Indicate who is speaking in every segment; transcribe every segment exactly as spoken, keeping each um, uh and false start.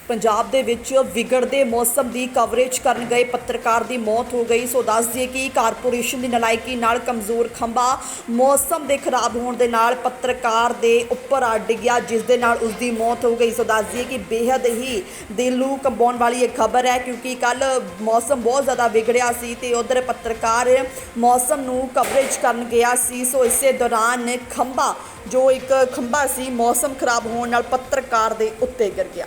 Speaker 1: ਪੰਜਾਬ ਦੇ ਵਿੱਚ ਵਿਗੜਦੇ ਮੌਸਮ ਦੀ ਕਵਰੇਜ ਕਰਨ ਗਏ ਪੱਤਰਕਾਰ ਦੀ ਮੌਤ ਹੋ ਗਈ। ਸੋ ਦੱਸ ਦਈਏ ਕਿ ਕਾਰਪੋਰੇਸ਼ਨ ਦੀ ਨਲਾਇਕੀ ਨਾਲ ਕਮਜ਼ੋਰ ਖੰਭਾ ਮੌਸਮ ਦੇ ਖਰਾਬ ਹੋਣ ਦੇ ਨਾਲ ਪੱਤਰਕਾਰ ਦੇ ਉੱਪਰ ਆ ਡਿੱਗਿਆ, ਜਿਸ ਦੇ ਨਾਲ ਉਸ ਦੀ ਮੌਤ ਹੋ ਗਈ। ਸੋ ਦੱਸ ਦਈਏ ਕਿ ਬੇहद ਹੀ ਦਿਲ ਨੂੰ ਕੰਬਾਉਣ ਵਾਲੀ ਇਹ ਖਬਰ ਹੈ, ਕਿਉਂਕਿ ਕੱਲ ਮੌਸਮ ਬਹੁਤ ਜ਼ਿਆਦਾ ਵਿਗੜਿਆ ਸੀ ਤੇ ਉਧਰ ਪੱਤਰਕਾਰ ਮੌਸਮ ਨੂੰ ਕਵਰੇਜ ਕਰਨ ਗਿਆ ਸੀ। ਸੋ ਇਸੇ ਦੌਰਾਨ ਖੰਭਾ ਜੋ ਇੱਕ ਖੰਭਾ ਸੀ ਮੌਸਮ ਖਰਾਬ ਹੋਣ ਨਾਲ ਪੱਤਰਕਾਰ ਦੇ ਉੱਤੇ ਗਿਰ ਗਿਆ।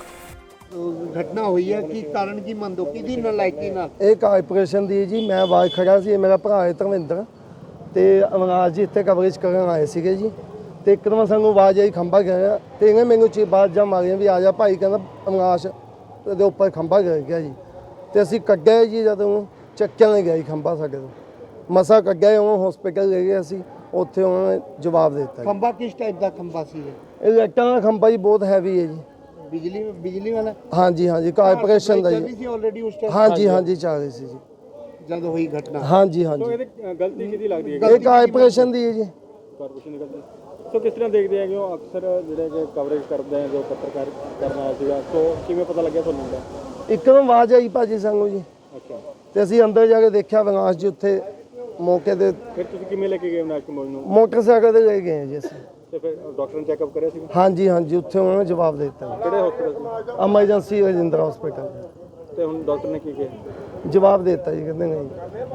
Speaker 2: घटना हुई है कि कारण की मंदो की नलायकी ना
Speaker 3: ਇਹ ਕਾਰਪੋਰੇਸ਼ਨ ਦੀ ਜੀ। ਮੈਂ ਆਵਾਜ਼ ਖੜਾ ਸੀ, ਮੇਰਾ ਭਰਾ ਹੈ ਧਰਮਿੰਦਰ ਤੇ ਅਵਨਾਸ਼ ਜੀ ਇੱਥੇ ਕਵਰੇਜ ਕਰਨ ਆਏ ਸੀਗੇ ਜੀ। ਤੇ ਇੱਕਦਮ ਸਾਨੂੰ ਆਵਾਜ਼ ਆਈ ਖੰਭਾ ਗਿਰਿਆ ਤੇ ਇਹਨੇ ਮੈਨੂੰ ਚੀ ਬਾਤ ਜਾਂ ਮਾਰੀਆਂ ਵੀ ਆ ਜਾ ਭਾਈ, ਕਹਿੰਦਾ ਅਵਨਾਸ਼ ਦੇ ਉੱਪਰ ਖੰਭਾ ਗਿਰ ਗਿਆ ਜੀ। ਤੇ ਅਸੀਂ ਕੱਢਿਆ ਜੀ, ਜਦੋਂ ਚੱਕਿਆ ਨਹੀਂ ਗਿਆ ਜੀ ਖੰਭਾ ਸਾਡੇ ਤੋਂ, ਮਸਾ ਕੱਢਿਆ ਉਹ ਹਸਪੀਟਲ ਲੈ ਗਏ ਅਸੀਂ। ਉੱਥੇ ਉਹਨਾਂ ਨੇ ਜਵਾਬ ਦੇ ਦਿੱਤਾ।
Speaker 2: खंबा किस टाइप का खंबा सी है?
Speaker 3: ਇਹ ਲਾਈਟਾਂ ਦਾ ਖੰਭਾ ਜੀ ਬਹੁਤ ਹੈਵੀ ਹੈ ਜੀ।
Speaker 2: बिजली बिजली वाला
Speaker 3: ਹਾਂਜੀ ਹਾਂਜੀ ਕਾਰਪੋਰੇਸ਼ਨ ਦਾ
Speaker 2: चल
Speaker 3: ਜੀ।
Speaker 2: सी ऑलरेडी उस टाइम
Speaker 3: ਹਾਂਜੀ ਹਾਂਜੀ ਚੱਲ ਰਹੀ ਸੀ ਜੀ।
Speaker 2: जब हुई घटना
Speaker 3: ਹਾਂਜੀ ਹਾਂਜੀ
Speaker 4: ਗਲਤੀ ਕਿਹਦੀ ਲੱਗਦੀ ਹੈ?
Speaker 3: ਇਹ ਕਾਰਪੋਰੇਸ਼ਨ ਦੀ ਹੈ ਜੀ।
Speaker 4: ਕਾਰਪੋਰੇਸ਼ਨ ਦੀ ਗਲਤੀ। ਸੋ ਕਿਸ ਤਰ੍ਹਾਂ ਦੇਖਦੇ ਆ ਕਿ ਉਹ ਅਕਸਰ ਜਿਹੜੇ ਕਿ ਕਵਰੇਜ ਕਰਦੇ ਆ, ਜੋ ਪੱਤਰਕਾਰ ਕਰਨ ਆਇਆ ਸੀਗਾ, ਸੋ ਕਿਵੇਂ ਪਤਾ ਲੱਗਿਆ ਤੁਹਾਨੂੰ ਇਹਦਾ?
Speaker 3: ਇੱਕਦਮ ਆਵਾਜ਼ ਆਈ ਭਾਜੀ ਸਾਨੂੰ ਜੀ।
Speaker 4: ਅੱਛਾ,
Speaker 3: ਤੇ ਅਸੀਂ ਅੰਦਰ ਜਾ ਕੇ ਦੇਖਿਆ ਵਿਨਾਸ਼ ਜੀ ਉੱਥੇ ਮੌਕੇ ਤੇ
Speaker 4: ਫਿਰ ਤੁਸੀਂ ਕਿਵੇਂ ਲੈ ਕੇ ਗਏ ਅਵਿਨਾਸ਼ ਕੁਮਾਰ ਨੂੰ?
Speaker 3: ਮੋਟਰਸਾਈਕਲ ਤੇ ਲੈ ਗਏ ਜੀ ਅਸੀਂ।
Speaker 4: ਤੇ ਫਿਰ ਡਾਕਟਰ ਨੇ ਚੈੱਕਅਪ ਕਰਿਆ ਸੀ?
Speaker 3: ਹਾਂਜੀ ਹਾਂਜੀ ਉੱਥੇ ਉਹਨਾਂ ਨੇ ਜਵਾਬ ਦੇ ਦਿੱਤਾ।
Speaker 4: ਕਿਹੜੇ ਹਸਪੀਟਲ?
Speaker 3: ਐਮਰਜੈਂਸੀ ਰਜਿੰਦਰਾ ਹਸਪੀਟਲ
Speaker 4: ਤੇ ਹੁਣ ਡਾਕਟਰ ਨੇ ਕੀ ਕਿਹਾ?
Speaker 3: ਜਵਾਬ ਦੇ ਦਿੱਤਾ ਜੀ, ਕਹਿੰਦੇ ਨਹੀਂ।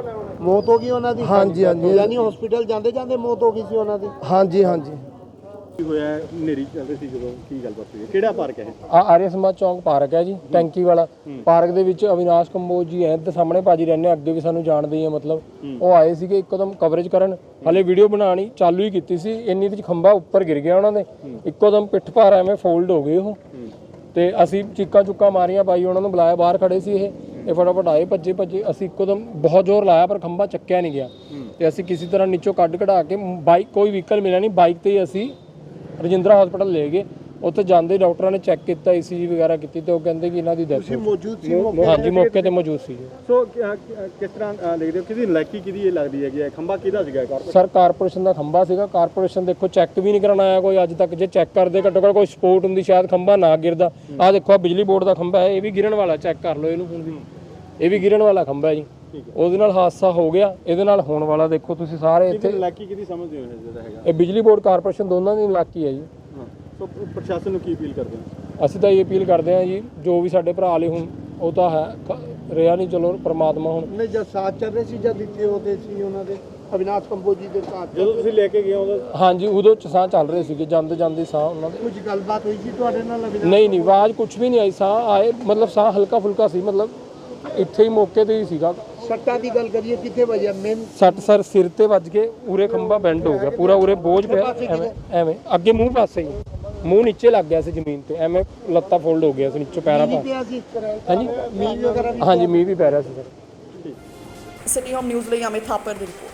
Speaker 2: मौत हो गई उन्होंने
Speaker 3: ਹਾਂਜੀ ਹਾਂਜੀ
Speaker 2: यानी हॉस्पिटल जाते जाते मौत हो गई सी उन्होंने
Speaker 3: ਹਾਂਜੀ ਹਾਂਜੀ
Speaker 4: ਕੀ ਹੋਇਆ? ਨੇਰੀ ਚੱਲਦੇ ਸੀ ਜਦੋਂ, ਕੀ ਗੱਲਬਾਤ ਹੋਈ? ਕਿਹੜਾ ਪਾਰਕ ਹੈ ਇਹ?
Speaker 5: ਆ ਆਰੀਆ ਸਮਾਜ ਚੌਂਕ ਪਾਰਕ ਹੈ ਜੀ, ਟੈਂਕੀ ਵਾਲਾ ਪਾਰਕ ਦੇ ਵਿੱਚ ਅਵਿਨਾਸ਼ ਕੰਬੋਜ ਜੀ ਐ ਤੇ ਸਾਹਮਣੇ ਭਾਜੀ ਰਹਿੰਦੇ, ਅੱਗੇ ਵੀ ਸਾਨੂੰ ਜਾਣਦੇ ਹੀ ਆ। ਮਤਲਬ ਉਹ ਆਏ ਸੀਗੇ ਇੱਕੋਦਮ ਕਵਰੇਜ ਕਰਨ, ਹਲੇ ਵੀਡੀਓ ਬਣਾਣੀ ਚਾਲੂ ਹੀ ਕੀਤੀ ਸੀ, ਇੰਨੀ ਵਿੱਚ ਖੰਭਾ ਉੱਪਰ ਗਿਰ ਗਿਆ ਉਹਨਾਂ ਦੇ। ਇੱਕੋਦਮ ਪਿੱਠ ਭਾਰ ਐਵੇਂ ਫੋਲਡ ਹੋ ਗਏ ਉਹ। ਤੇ ਅਸੀਂ ਚੀਕਾਂ ਚੁੱਕਾਂ ਮਾਰੀਆਂ, ਬਾਈ ਉਹਨਾਂ ਨੂੰ ਬੁਲਾਇਆ, ਬਾਹਰ ਖੜੇ ਸੀ ਇਹ ਇਹ ਫਟਾਫਟ ਆਏ, ਭੱਜੇ ਭੱਜੇ। ਅਸੀਂ ਇੱਕੋਦਮ ਬਹੁਤ ਜ਼ੋਰ ਲਾਇਆ ਪਰ ਖੰਭਾ ਚੱਕਿਆ ਨਹੀਂ ਗਿਆ। ਤੇ ਅਸੀਂ ਕਿਸੇ ਤਰ੍ਹਾਂ ਨੀਚੋਂ ਕੱਢ ਕਢਾ ਕੇ ਬਾਈਕ, ਕੋਈ ਵਹੀਕਲ ਮਿਲਿਆ ਨਹੀਂ, ਬਾਈਕ ਤੇ ਹੀ ਅਸੀਂ ਰਜਿੰਦਰਾ ਹਸਪੀਟਲ ਲੈ ਗਏ। ਉੱਥੇ ਜਾਂਦੇ ਡਾਕਟਰਾਂ ਨੇ ਚੈੱਕ ਕੀਤਾ, ਈਸੀਜੀ ਵਗੈਰਾ ਕੀਤੀ ਤੇ ਉਹ ਕਹਿੰਦੇ ਕਿ ਇਹਨਾਂ ਦੀ ਡੈਥ ਹੋ
Speaker 2: मौजूद सी
Speaker 5: ਗਈ। ਹਾਂਜੀ ਮੌਕੇ ਤੇ ਮੌਜੂਦ ਸੀ।
Speaker 4: ਸੋ ਕਿ- ਕਿ- ਕਿਸ ਤਰ੍ਹਾਂ ਅ, ਦੇਖਦੇ ਹੋ ਕਿਹਦੀ ਨਲਾਇਕੀ ਕਿਹਦੀ ਇਹ ਲੱਗਦੀ ਹੈਗੀ ਹੈ? ਖੰਭਾ ਕਿਹਦਾ ਸੀਗਾ? ਕਾਰਪੋਰੇਸ਼ਨ?
Speaker 5: ਸਰ ਕਾਰਪੋਰੇਸ਼ਨ ਦਾ ਖੰਭਾ ਸੀਗਾ। ਕਾਰਪੋਰੇਸ਼ਨ ਦੇਖੋ ਚੈੱਕ ਵੀ ਨਹੀਂ ਕਰਨ ਆਇਆ ਕੋਈ ਅੱਜ ਤੱਕ। ਜੇ ਚੈੱਕ ਕਰਦੇ ਘੱਟੋ ਘੱਟ ਕੋਈ ਸਪੋਰਟ ਹੁੰਦੀ ਸ਼ਾਇਦ ਖੰਭਾ ਨਾ ਗਿਰਦਾ। ਆਹ ਦੇਖੋ, ਆਹ ਬਿਜਲੀ ਬੋਰਡ ਦਾ ਖੰਭਾ ਹੈ, ਇਹ ਵੀ ਗਿਰਨ ਵਾਲਾ, ਚੈੱਕ ਕਰ ਲਓ ਇਹਨੂੰ ਹੁਣ ਵੀ। ਇਹ ਵੀ ਗਿਰਨ ਵਾਲਾ ਖੰਭਾ ਹੈ ਜੀ। ਉਹਦੇ ਨਾਲ ਹਾਦਸਾ ਹੋ ਗਿਆ, ਇਹਦੇ ਨਾਲ ਹੋਣ ਵਾਲਾ ਦੇਖੋ ਤੁਸੀਂ ਸਾਰੇ
Speaker 4: ਕਿਹਦੀ
Speaker 5: ਇੱਥੇ।
Speaker 4: ਨਲਾਇਕੀ ਕਿਹਦੀ ਸਮਝਦੇ ਹੋ ਇਹ ਜਿਹੜਾ ਹੈਗਾ?
Speaker 5: ਇਹ ਬਿਜਲੀ ਬੋਰਡ ਕਾਰਪੋਰੇਸ਼ਨ ਦੋਨਾਂ ਦੀ ਇਲਾਕੀ ਹੈ ਜੀ।
Speaker 4: ਹਾਂ, ਸੋ ਪ੍ਰਸ਼ਾਸਨ ਨੂੰ ਕੀ ਅਪੀਲ ਕਰਦੇ ਹੋ?
Speaker 5: ਅਸੀਂ ਤਾਂ ਇਹ ਅਪੀਲ ਕਰਦੇ ਹਾਂ ਜੀ, ਜੋ ਵੀ ਸਾਡੇ ਭਰਾ ਲਈ ਹੁਣ ਉਹ ਤਾਂ ਹੈ ਕ- ਰਿਹਾ ਨਹੀਂ, ਚਲੋ ਪ੍ਰਮਾਤਮਾ ਹੁਣ।
Speaker 2: ने जब साथ चल रहे सी जब इतने होते सी उन्होंने अविनाश कंबोज जी के साथ
Speaker 4: ਜਦੋਂ ਤੁਸੀਂ ਲੈ ਕੇ ਗਏ ਉਦੋਂ
Speaker 5: ਹਾਂਜੀ ਉਦੋਂ ਚ ਸਾਹ ਚੱਲ ਰਹੇ ਸੀਗੇ, ਜਾਂਦੇ ਜਾਂਦੇ ਸਾਹ ਉਹਨਾਂ ਦੇ।
Speaker 2: कुछ गलबात हुई सी ਤੁਹਾਡੇ ਨਾਲ अविनाश?
Speaker 5: ਨਹੀਂ ਨਹੀਂ ਆਵਾਜ਼ ਕੁਝ ਵੀ ਨਹੀਂ ਆਈ, ਸਾਹ ਆਏ, ਮਤਲਬ ਸਾਹ ਹਲਕਾ ਫੁਲਕਾ ਸੀ, ਮਤਲਬ ਇੱਥੇ ਹੀ ਮੌਕੇ ਤੇ ਹੀ ਸੀਗਾ।
Speaker 2: सट्टा की गल करिए कितने बजे मेन
Speaker 5: ਸੱਟ ਸਰ ਸਿਰ ਤੇ ਵੱਜ ਕੇ ਉਰੇ ਖੰਭਾ ਬੈਂਡ ਹੋ ਗਿਆ ਪੂਰਾ, ਉਰੇ ਬੋਝ ਪਿਆ ਐਵੇਂ ਐਵੇਂ ਅੱਗੇ ਮੂੰਹ ਪਾਸੇ ਹੀ, ਮੂੰਹ ਨੀਚੇ ਲੱਗ ਗਿਆ ਸੀ ਜ਼ਮੀਨ ਤੇ, ਐਵੇਂ ਲੱਤਾਂ ਫੋਲਡ ਹੋ ਗਿਆ ਸੀ ਨੀਚੇ ਪੈਰਾਂ ਪਾ।
Speaker 2: पिया सी
Speaker 5: ਹਾਂਜੀ
Speaker 2: मील वगैरह भी
Speaker 5: ਹਾਂਜੀ ਮੀਂਹ ਵੀ ਪੈ ਰਿਹਾ ਸੀ ਸਰ।
Speaker 1: ਸਿਟੀ ਹੋਮ ਨਿਊਜ਼ ਲਈ ਅਮਿਤ ਥਾਪਰ ਦੀ ਰਿਪੋਰਟ।